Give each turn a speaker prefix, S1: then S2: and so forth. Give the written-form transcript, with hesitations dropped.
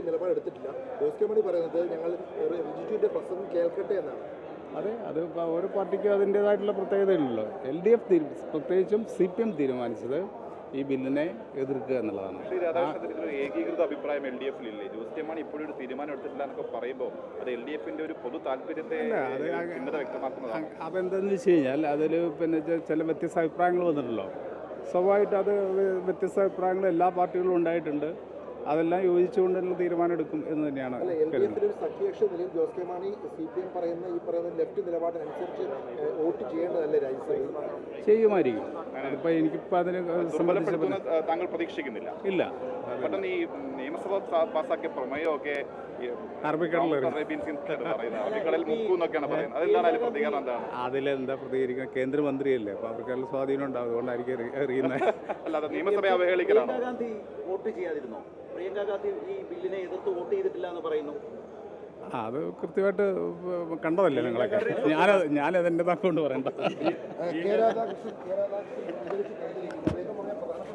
S1: നിലപാടെടുത്തിട്ടില്ല. ജോസ് കെ മാണി പറയുന്നത് ഞങ്ങൾ റിജിജുവിന്റെ പ്രസംഗം കേൾക്കട്ടെ എന്നാണ്.
S2: അതെ, അത് ഓരോ പാർട്ടിക്കും അതിൻ്റേതായിട്ടുള്ള പ്രത്യേകതയുണ്ടല്ലോ. LDF പ്രത്യേകിച്ചും CPM തീരുമാനിച്ചത് ഈ ബില്ലിനെ എതിർക്കുക എന്നുള്ളതാണ്.
S3: ഏകീകൃത അഭിപ്രായം LDF-ലില്ലേ? ജോസ് കെ മാണി ഇപ്പോഴും ഒരു തീരുമാനം എടുത്തിട്ടില്ല എന്നൊക്കെ പറയുമ്പോൾ അത് LDF-ന്റെ ഒരു പൊതു താല്പര്യത്തെ വ്യക്തമാക്കുന്നതാണ്.
S2: അതെന്താണെന്ന് വെച്ച് കഴിഞ്ഞാൽ അതിൽ പിന്നെ ചില വ്യത്യസ്ത അഭിപ്രായങ്ങൾ വന്നിട്ടുണ്ടല്ലോ. സ്വാഭാവികമായിട്ട് അത് വ്യത്യസ്ത അഭിപ്രായങ്ങൾ എല്ലാ പാർട്ടികളും ഉണ്ടായിട്ടുണ്ട്. അതെല്ലാം യോജിച്ചുകൊണ്ടുള്ള തീരുമാനം എടുക്കും എന്ന് തന്നെയാണ്.
S1: സഖ്യകക്ഷി നിലയിൽ ജോസ് കെ മാണി CPM പറയുന്ന ലെഫ്റ്റ് നിലപാടിനനുസരിച്ച് വോട്ട് ചെയ്യേണ്ടതല്ലേ രാജ്യസഭയിൽ?
S2: ചെയ്യുമായിരിക്കും. അതിപ്പോൾ എനിക്കിപ്പോൾ അതിന് സംബന്ധിച്ച്
S3: താങ്കൾ പ്രതീക്ഷിക്കുന്നില്ല?
S2: ഇല്ല.
S3: പെട്ടെന്ന് ഈ നിയമസഭ പാസാക്കിയ പ്രമേയമൊക്കെ
S2: അതിലെന്താ പ്രതികരിക്കുന്നത്? കേന്ദ്രമന്ത്രിയല്ലേ, അപ്പോൾ അവർക്കെല്ലാം സ്വാധീനം ഉണ്ടാവും. അതുകൊണ്ടായിരിക്കും അറിയുന്നത്.
S3: അല്ലാതെ നിയമസഭയെ അവഹേളിക്കലാണോ?
S4: വോട്ട് ചെയ്യാതിരുന്നോ? പ്രിയങ്ക ഗാന്ധി ഈ ബില്ലിനെ എതിർത്ത് വോട്ട് ചെയ്തിട്ടില്ല എന്ന് പറയുന്നു.
S2: അത് കൃത്യമായിട്ട് കണ്ടതല്ലേ നിങ്ങളൊക്കെ? ഞാനതെൻ്റെ താക്കൊണ്ട് പറയണ്ട.